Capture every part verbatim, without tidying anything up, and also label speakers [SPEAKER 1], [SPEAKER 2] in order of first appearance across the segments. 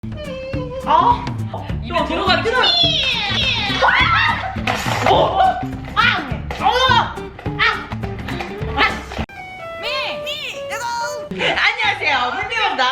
[SPEAKER 1] 아, 입에 들어가 뜨거. 어, 아, 어, 아, 미, 미, 뜨거. 안녕하세요, 물미입니다.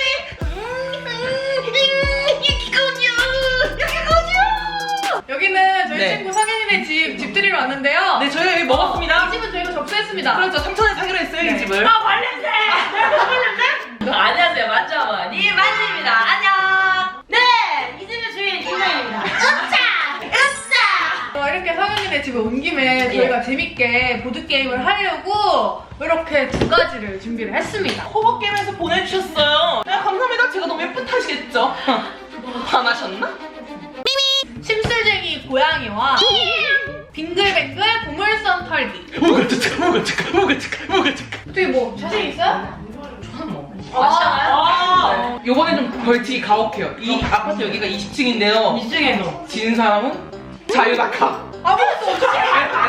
[SPEAKER 2] 여기는 저희
[SPEAKER 1] 네.
[SPEAKER 2] 친구 성현이네 집 집들이로 왔는데요.
[SPEAKER 1] 네, 저희 여기 먹었습니다.
[SPEAKER 2] 이 집은 저희가 접수했습니다.
[SPEAKER 1] 그렇죠, 삼천에 사기로 했어요,
[SPEAKER 2] 네.
[SPEAKER 1] 이 집을.
[SPEAKER 2] 아, 발냄새! 발냄새?
[SPEAKER 3] 안녕하세요, 만져머니 만지입니다. 안녕. 네, 이 집의 주인 김나입니다. 으짜, 으짜.
[SPEAKER 2] 어, 이렇게 성현이네 집에 온 김에 저희가 재밌게 보드게임을 하려고 이렇게 두 가지를 준비를 했습니다.
[SPEAKER 1] 호박게임에서 보내주셨어요. 네, 감사합니다. 제가 너무 예쁜 탓이겠죠? 화나셨나?
[SPEAKER 2] 심술쟁이 고양이와 빙글빙글 보물선 털기.
[SPEAKER 1] 뭐가 착하, 뭐가 착하, 뭐가 착하, 뭐가 착하.
[SPEAKER 2] 어떻게 뭐 자신 있어요?
[SPEAKER 3] 저는 뭐
[SPEAKER 2] 아,
[SPEAKER 3] 아시잖아요.
[SPEAKER 1] 아, 요번에 좀 벌칙이 가혹해요. 이 아파트 여기가 이십 층인데요.
[SPEAKER 3] 이쪽에 너.
[SPEAKER 1] 지는 사람은 자유낙하.
[SPEAKER 2] 아무것도 어떡해.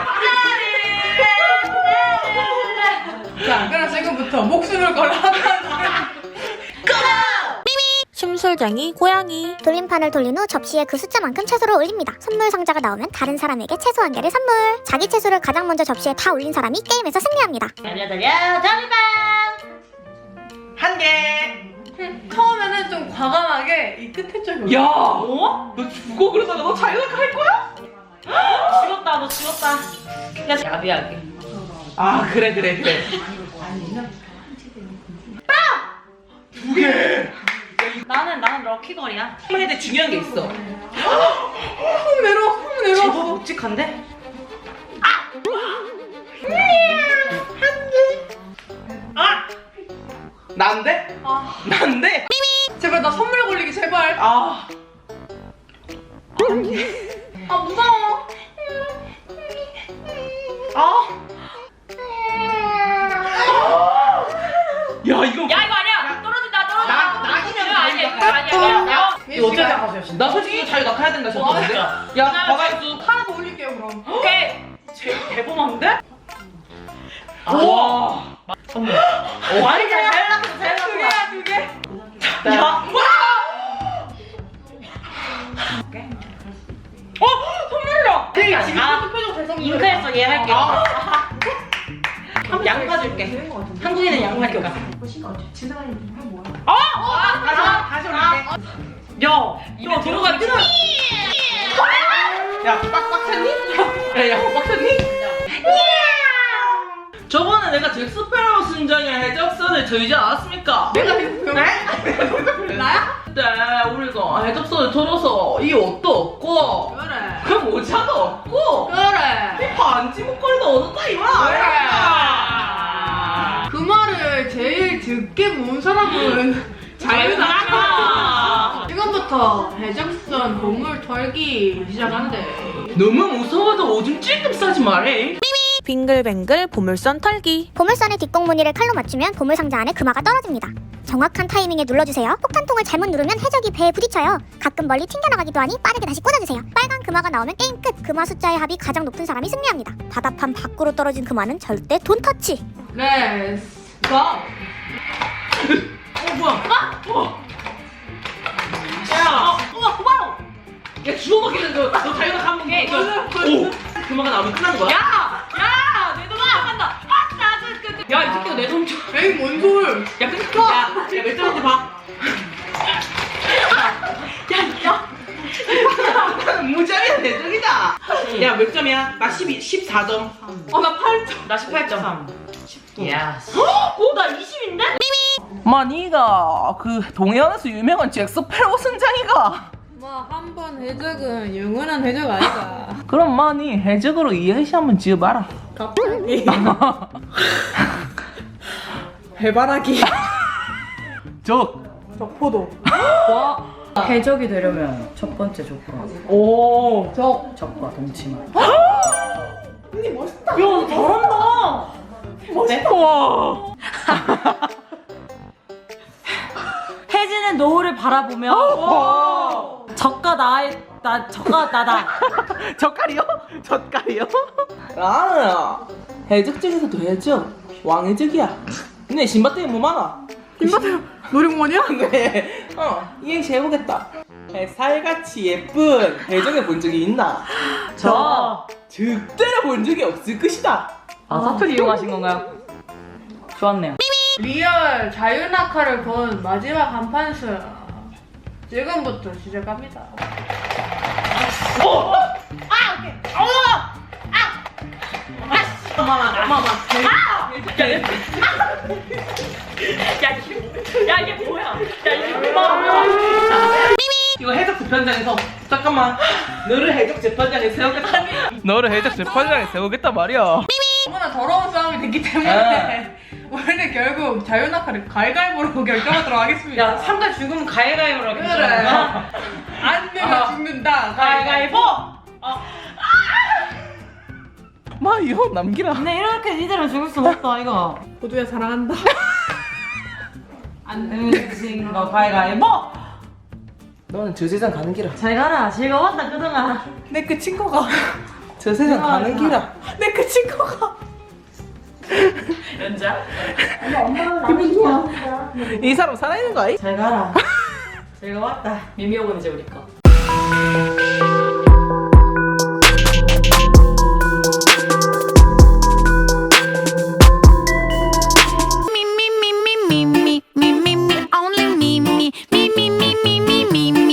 [SPEAKER 2] 자, 그럼 지금부터 목숨을 걸어 하나
[SPEAKER 4] 심술쟁이 고양이. 돌림판을 돌린 후 접시에 그 숫자만큼 채소를 올립니다. 선물 상자가 나오면 다른 사람에게 채소 한 개를 선물. 자기 채소를 가장 먼저 접시에 다 올린 사람이 게임에서 승리합니다.
[SPEAKER 3] 달려 달려 달리반.
[SPEAKER 1] 한 개.
[SPEAKER 2] 처음에는 좀 과감하게 이 끝에 쪽이
[SPEAKER 1] 야,
[SPEAKER 3] 어?
[SPEAKER 1] 너 죽어 그러다가 너 자유낙하 할 거야?
[SPEAKER 3] 죽었다, 너 죽었다. 야, 야비하게.
[SPEAKER 1] 아, 그래, 그래, 그래. 두 개.
[SPEAKER 3] 나는 나는 럭키걸이야.
[SPEAKER 1] 근데 중요한 게 있어.
[SPEAKER 2] 훅 내려 훅 내려.
[SPEAKER 1] 제법 묵직한데? 아! 난데?
[SPEAKER 2] 아,
[SPEAKER 1] 난데?
[SPEAKER 2] 제발 나 선물 걸리기 제발.
[SPEAKER 1] 아,
[SPEAKER 2] 아 무서워.
[SPEAKER 1] 아. 야, 이거.
[SPEAKER 3] 야, 이거 아니야. 떨어진다, 떨어진다.
[SPEAKER 1] 나- 낙이면
[SPEAKER 3] 이거 아니야, 이거
[SPEAKER 1] 낙-
[SPEAKER 3] 아니야. 야, 야.
[SPEAKER 1] 이거 어떻게 생각하세요? 나 솔직히 자유 낙하해야 된다 싶었는데. 야, 과갈수
[SPEAKER 2] 하나 더 올릴게요 그럼.
[SPEAKER 3] 오케이.
[SPEAKER 1] 제 대범한데?
[SPEAKER 3] 아.
[SPEAKER 1] 와.
[SPEAKER 3] 선물. 아니, 잘 잘 나갔어, 잘
[SPEAKER 2] 두
[SPEAKER 3] 나갔어.
[SPEAKER 2] 개야 두 개.
[SPEAKER 1] 야. 어, 선물이야.
[SPEAKER 2] 되게
[SPEAKER 3] 아,
[SPEAKER 2] 지금
[SPEAKER 3] 아.
[SPEAKER 2] 표정 대성.
[SPEAKER 3] 잉크했어, 얘 할게.
[SPEAKER 1] 아.
[SPEAKER 3] 양파 줄게. 한국인은 양파 줄까?
[SPEAKER 1] 아, 다시 다시 올릴게.
[SPEAKER 3] 야, 입에 들어가 뜨거.
[SPEAKER 1] 야, 빡빡 찼니? 야, 야, 빡빡 찼니? 저번에 내가 잭스페로 순정의 해적선을 들지 않았습니까?
[SPEAKER 2] 내가 네? 나야?
[SPEAKER 1] 네, 우리가 해적선을 들어서 이 옷도 없고
[SPEAKER 2] 그래.
[SPEAKER 1] 그 모자도 없고
[SPEAKER 2] 그래.
[SPEAKER 1] 이 반지 목걸이도 얻었다 이 말이야.
[SPEAKER 2] 그 말을 제일 듣게 모은 사람은 자유낙하. 지금부터 해적선 보물 털기 시작하는데.
[SPEAKER 1] 너무 무서워도 오줌 찔끔 싸지 말해.
[SPEAKER 4] 빙글빙글 보물선 털기. 보물선의 뒷공무늬를 칼로 맞추면 보물상자 안에 금화가 떨어집니다. 정확한 타이밍에 눌러주세요. 폭탄통을 잘못 누르면 해적이 배에 부딪혀요. 가끔 멀리 튕겨나가기도 하니 빠르게 다시 꽂아주세요. 빨간 금화가 나오면 게임 끝. 금화 숫자의 합이 가장 높은 사람이 승리합니다. 바다판 밖으로 떨어진 금화는 절대 돈 터치.
[SPEAKER 2] 렛츠 고.
[SPEAKER 1] 어, 뭐야? 어. 야,
[SPEAKER 3] 우와, 고마워.
[SPEAKER 1] 야, 주워먹기는 너, 너 자유낙하 한 번.
[SPEAKER 3] 오케이,
[SPEAKER 1] 오, 금화가 나오면 끝나는 거야?
[SPEAKER 3] 야, 야, 내 돈 나간다. 아, 나 그, 그, 그. 야, 이 새끼가 내 돈 줘.
[SPEAKER 2] 에이 뭔 소리?
[SPEAKER 1] 야, 끊겨. 야, 야, 몇 점인지 봐. 야, 야. 무자비한 대적이다. 야, 몇 점이야? 나 십이, 십사 점.
[SPEAKER 2] 어 나 팔 점.
[SPEAKER 3] 나 십팔 점. 야,
[SPEAKER 1] 어, 나 이십인데? 마, 니가 그 동해안에서 유명한 잭스페로 선장이가.
[SPEAKER 2] 뭐한 번 해적은 영원한 해적 아이가.
[SPEAKER 1] 그럼 마, 니 해적으로 이행시 한번 지어봐라.
[SPEAKER 2] 갑자기. 해바라기.
[SPEAKER 1] 적.
[SPEAKER 2] 적포도.
[SPEAKER 3] 해적이 되려면 첫 번째 조건
[SPEAKER 1] 오.
[SPEAKER 2] 적.
[SPEAKER 3] 적과 동치만.
[SPEAKER 2] 언니 멋있다.
[SPEAKER 3] 야, 너 잘한다.
[SPEAKER 1] 멋있다. 와.
[SPEAKER 3] 해지는 노을을 바라보며
[SPEAKER 1] 와.
[SPEAKER 3] 적과 나의 나 적과 나다.
[SPEAKER 1] 젓갈이요? 젓갈이요? 나는 해적 중에서도 해적 왕해적이야. 근데 신밧드에 뭐 많아? 신밧드
[SPEAKER 2] 놀이공원이야?
[SPEAKER 1] 네. 어, 이행시 해보겠다. 살같이 예쁜 배정해 본 적이 있나?
[SPEAKER 3] 저.
[SPEAKER 1] 절대로 본 적이 없을 것이다.
[SPEAKER 3] 아, 사투리 이용하신 건가요? 좋았네요.
[SPEAKER 2] 리얼 자유낙하를 본 마지막 한판승. 지금부터 시작합니다.
[SPEAKER 1] 오!
[SPEAKER 3] 엄마만, 엄마만. 아! 야, 야, 야, 이게, 야, 이게 뭐야? 야, 이게 뭐야?
[SPEAKER 1] 이거 해적 재판장에서 잠깐만 너를 해적 재판장에 세우겠다. 너를 해적 재판장에 세우겠다 말이야.
[SPEAKER 2] 너무나 더러운 싸움이 됐기 때문에 우리는 결국 자유낙하를 가위가위보로 결정하도록 하겠습니다.
[SPEAKER 3] 야, 삼가 죽으면 가위가위보로
[SPEAKER 2] 그래.
[SPEAKER 3] 하겠다.
[SPEAKER 2] 안 되면 죽는다.
[SPEAKER 3] 가위가위보!
[SPEAKER 1] 마 이거 남기라.
[SPEAKER 3] 근데 이렇게 니들은 죽을 수 없다, 이거.
[SPEAKER 2] 호두야 사랑한다.
[SPEAKER 3] 안 되면 지금 거 가위가위보!
[SPEAKER 1] 너는 저 세상 가는 길아.
[SPEAKER 3] 잘 가라. 즐거웠다, 그동안.
[SPEAKER 1] 내 끝인 거가. 저 세상 가는 길아. 내 끝인 거가.
[SPEAKER 3] 연자?
[SPEAKER 1] 이 사람 살아있는 거 아이?
[SPEAKER 3] 잘 가라. 즐거웠다. 미미오군 이제 우리 거.